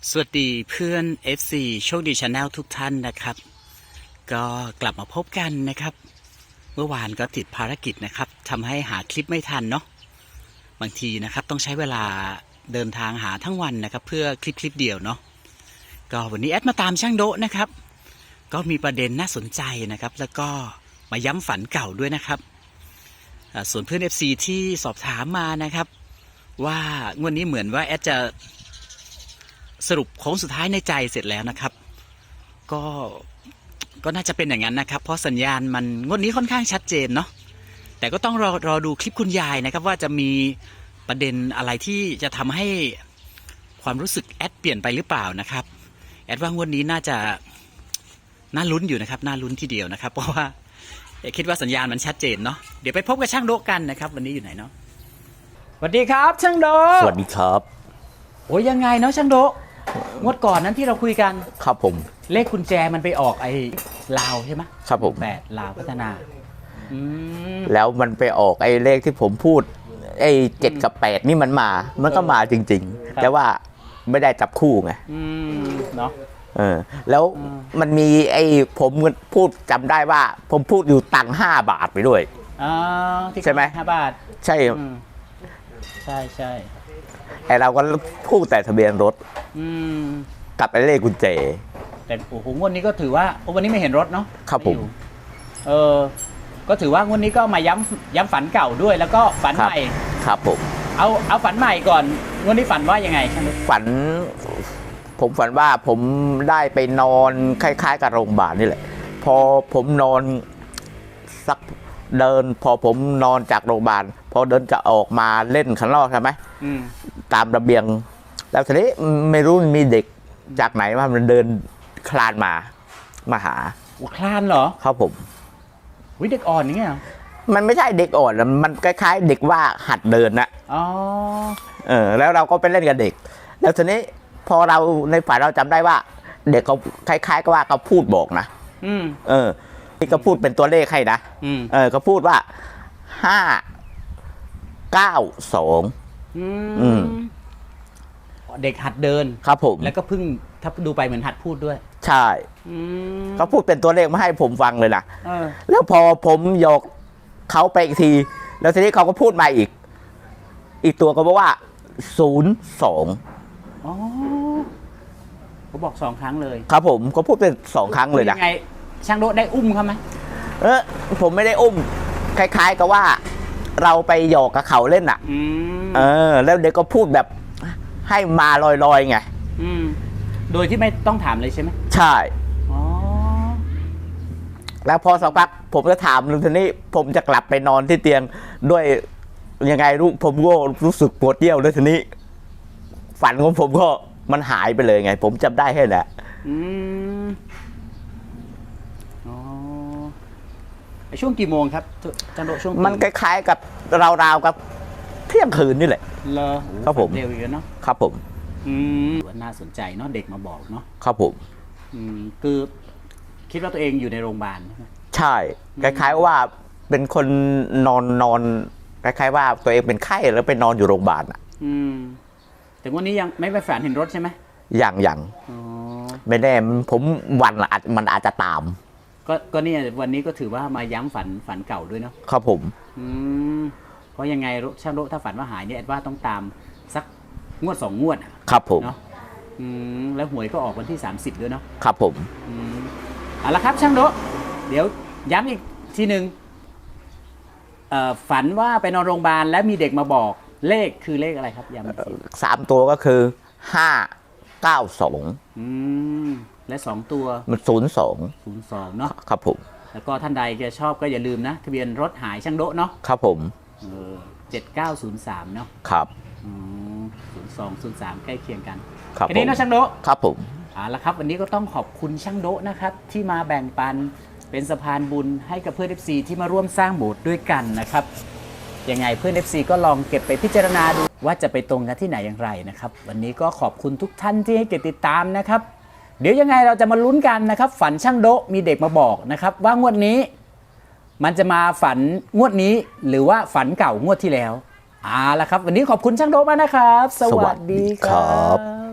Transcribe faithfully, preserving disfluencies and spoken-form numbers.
สวัสดีเพื่อน เอฟ ซี โชคดี Channel ทุกท่านนะครับ ก็กลับมาพบกันนะครับ เมื่อวานก็ติดภารกิจนะครับทำให้หาคลิปไม่ทันเนาะบางทีนะครับต้องใช้เวลาเดินทางหาทั้งวันนะครับเพื่อคลิปคลิปเดียวเนาะก็วันนี้แอดมาตามช่างโดะนะครับก็มีประเด็นน่าสนใจนะครับแล้วก็มาย้ำฝันเก่าด้วยนะครับส่วนเพื่อน เอฟ ซี ที่สอบถามมานะครับว่างวดนี้เหมือนว่าแอดจะสรุปโค้งสุดท้ายในใจเสร็จแล้วนะครับก็ก็น่าจะเป็นอย่างนั้นนะครับเพราะสัญญาณมันงวดนี้ค่อนข้างชัดเจนเนาะแต่ก็ต้องรอรอดูคลิปคุณยายนะครับว่าจะมีประเด็นอะไรที่จะทำให้ความรู้สึกแอดเปลี่ยนไปหรือเปล่านะครับแอดว่างวดนี้น่าจะน่าลุ้นอยู่นะครับน่าลุ้นทีเดียวนะครับเพราะว่าคิดว่าสัญญาณมันชัดเจนเนาะเดี๋ยวไปพบกับช่างโดะกันนะครับวันนี้อยู่ไหนเนาะสวัสดีครับช่างโดะสวัสดีครับโอ้ยยังไงเนาะช่างโดะงวดก่อนนั้นที่เราคุยกันครับผมเลขกุญแจมันไปออกไอ้ลาวใช่ไหมครับผมแปดลาวพัฒนาแล้วมันไปออกไอ้เลขที่ผมพูดไอ้เจ็ดกับแปดนี่มันมามันก็มาจริงๆแต่ว่าไม่ได้จับคู่ไงเนาะเออแล้วมันมีไอ้ผมพูดจำได้ว่าผมพูดอยู่ตังค์ห้าบาทไปด้วยใช่ไหมห้าบาทใช่ใช่ใช่ไอเราก็พูดแต่ทะเบียนรถกับไอ้เลขกุญแจแต่โอ้โหงวดนี้ก็ถือว่าวันนี้ไม่เห็นรถเนาะครับผมเออก็ถือว่างวดนี้ก็มาย้ำย้ำฝันเก่าด้วยแล้วก็ฝันใหม่ครับผมเอาเอาฝันใหม่ก่อนงวดนี้ฝันว่ายังไงฝันผมฝันว่าผมได้ไปนอนคล้ายๆกับโรงพยาบาลนี่แหละพอผมนอนสักเดินพอผมนอนจากโรงพยาบาลพอเดินจะออกมาเล่นข้างนอกใช่ไหมตามระเบียงแล้วทีนี้ไม่รู้มีเด็กจากไหนว่ามันเดินคลานมามาหาคลานเหรอครับผมวิเด็กอ่อนอย่างเงี้ยมันไม่ใช่เด็กอ่อนมันคล้ายๆเด็กว่าหัดเดินนะอ๋อเออแล้วเราก็ไปเล่นกับเด็กแล้วทีนี้พอเราในฝันเราจำได้ว่าเด็กเขาคล้ายๆกับว่าเขาพูดบอกนะอืมเออที่เขาพูดเป็นตัวเลขให้นะเออเขาพูดว่าห้าเก้าสองเด็กหัดเดินครับผมแล้วก็เพิ่งถ้าดูไปเหมือนหัดพูดด้วยใช่เขาพูดเป็นตัวเลขมาให้ผมฟังเลยนะอแล้วพอผมยกเขาไปอีกทีแล้วทีนี้เขาก็พูดมาอีกอีกตัวก็บอกว่าศูนย์สองอ๋อเขาบอกสองครั้งเลยครับผมเขาพูดเป็นสองครั้งเลยนะยังไงช่างโดะได้อุ้มเขาไหมเออผมไม่ได้อุ้มคล้ายๆกับว่าเราไปหยอกกับเขาเล่นอ่ะเออแล้วเด็กก็พูดแบบให้มาลอยๆไงโดยที่ไม่ต้องถามเลยใช่ไหมใช่อ๋อแล้วพอสักพักผมจะถามลุงทีนี้ผมจะกลับไปนอนที่เตียงด้วยยังไงรู้ผมก็รู้สึกปวดเยี่ยวแล้วทีนี้ฝันของผมก็มันหายไปเลยไงผมจำได้แค่นั้นช่วงกี่โมงครับจันโดช่วงมันคล้ายๆกับราวๆกับเที่ยงคืนนี่แหละเหรอครับผมเร็วอยู่เนาะครับผมอืมน่าสนใจเนาะเด็กมาบอกเนาะครับผมอืมคือคิดว่าตัวเองอยู่ในโรงพยาบาลใช่ไหมใช่คล้ายๆว่าเป็นคนนอนนอนคล้ายๆว่าตัวเองเป็นไข้แล้วไปนอนอยู่โรงพยาบาลอ่ะอืมแต่วันนี้ยังไม่ไปฝันเห็นรถใช่ไหมอย่างอย่างไม่แน่ผมวันละอาจมันอาจจะตามก็ก็เนี่ยวันนี้ก็ถือว่ามาย้ำฝันฝันเก่าด้วยเนาะครับผมอืมเพราะยังไงช่างโดะถ้าฝันว่าหายเนี่ยแอดว่าต้องตามสักงวดสองงวดครับผมเนาะอืมแล้วหวยก็ออกวันที่สามสิบด้วยเนาะครับผมอืมเอาละครับช่างโดะเดี๋ยวย้ำอีกทีหนึ่งเอ่อฝันว่าไปนอนโรงพยาบาลแล้วมีเด็กมาบอกเลขคือเลขอะไรครับย้ำสามตัวก็คือห้าเก้าสองอืมและสองตัวมันศูนย์สองศูนย์สองเนาะครับผมแล้วก็ท่านใดจะชอบก็อย่าลืมนะทะเบียนรถหายช่างโดะเนาะครับผมเออเจ็ดเก้าศูนย์สามเนาะครับอืมศูนย์สองศูนย์สามใกล้เคียงกันครับทีนี้นะช่างโดะครับผมเอาละครับวันนี้ก็ต้องขอบคุณช่างโดะนะครับที่มาแบ่งปันเป็นสะพานบุญให้กับเพื่อน เอฟ ซี ที่มาร่วมสร้างโบสถ์ด้วยกันนะครับยังไงเพื่อน เอฟ ซี ก็ลองเก็บไปพิจารณาดูว่าจะไปตรงกันที่ไหนอย่างไรนะครับวันนี้ก็ขอบคุณทุกท่านที่ให้เกียรติติดตามนะครับเดี๋ยวยังไงเราจะมาลุ้นกันนะครับฝันช่างโดะมีเด็กมาบอกนะครับว่างวดนี้มันจะมาฝันงวดนี้หรือว่าฝันเก่างวดที่แล้วเอาละครับวันนี้ขอบคุณช่างโดะมากนะครับสวัสดีครับ